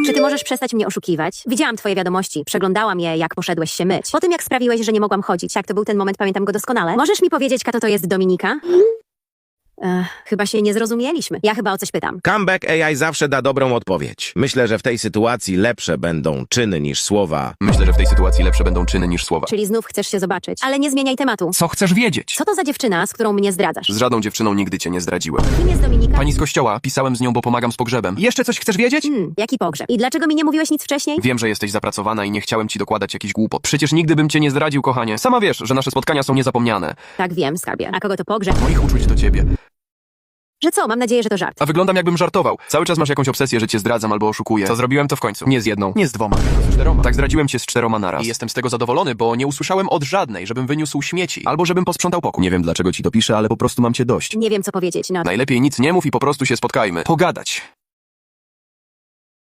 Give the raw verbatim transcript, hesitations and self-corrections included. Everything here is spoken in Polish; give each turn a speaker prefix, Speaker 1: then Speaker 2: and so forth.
Speaker 1: Czy ty możesz przestać mnie oszukiwać? Widziałam twoje wiadomości, przeglądałam je, jak poszedłeś się myć. Po tym, jak sprawiłeś, że nie mogłam chodzić, tak, to był ten moment, pamiętam go doskonale. Możesz mi powiedzieć, kto to jest Dominika? Ech, chyba się nie zrozumieliśmy. Ja chyba o coś pytam.
Speaker 2: Comeback A I zawsze da dobrą odpowiedź. Myślę, że w tej sytuacji lepsze będą czyny niż słowa.
Speaker 3: Myślę, że w tej sytuacji lepsze będą czyny niż słowa.
Speaker 1: Czyli znów chcesz się zobaczyć. Ale nie zmieniaj tematu.
Speaker 3: Co chcesz wiedzieć?
Speaker 1: Co to za dziewczyna, z którą mnie zdradzasz?
Speaker 3: Z żadną dziewczyną nigdy cię nie zdradziłem.
Speaker 1: Kim jest Dominika?
Speaker 3: Pani z kościoła, pisałem z nią, bo pomagam z pogrzebem. Jeszcze coś chcesz wiedzieć?
Speaker 1: Hmm, jaki pogrzeb? I dlaczego mi nie mówiłeś nic wcześniej?
Speaker 3: Wiem, że jesteś zapracowana i nie chciałem ci dokładać jakichś głupot. Przecież nigdy bym cię nie zdradził, kochanie. Sama wiesz, że nasze spotkania są niezapomniane.
Speaker 1: Tak, wiem, skarbie. A kogo to pogrzeb?
Speaker 3: Moich uczuć do ciebie.
Speaker 1: Że co? Mam nadzieję, że to żart.
Speaker 3: A wyglądam jakbym żartował. Cały czas masz jakąś obsesję, że cię zdradzam albo oszukuję. Co zrobiłem to w końcu? Nie z jedną, nie z dwoma, tylko z czteroma. Tak, zdradziłem cię z czteroma naraz. I jestem z tego zadowolony, bo nie usłyszałem od żadnej, żebym wyniósł śmieci. Albo żebym posprzątał pokój. Nie wiem, dlaczego ci to piszę, ale po prostu mam cię dość.
Speaker 1: Nie wiem, co powiedzieć, no.
Speaker 3: Najlepiej nic nie mów i po prostu się spotkajmy. Pogadać.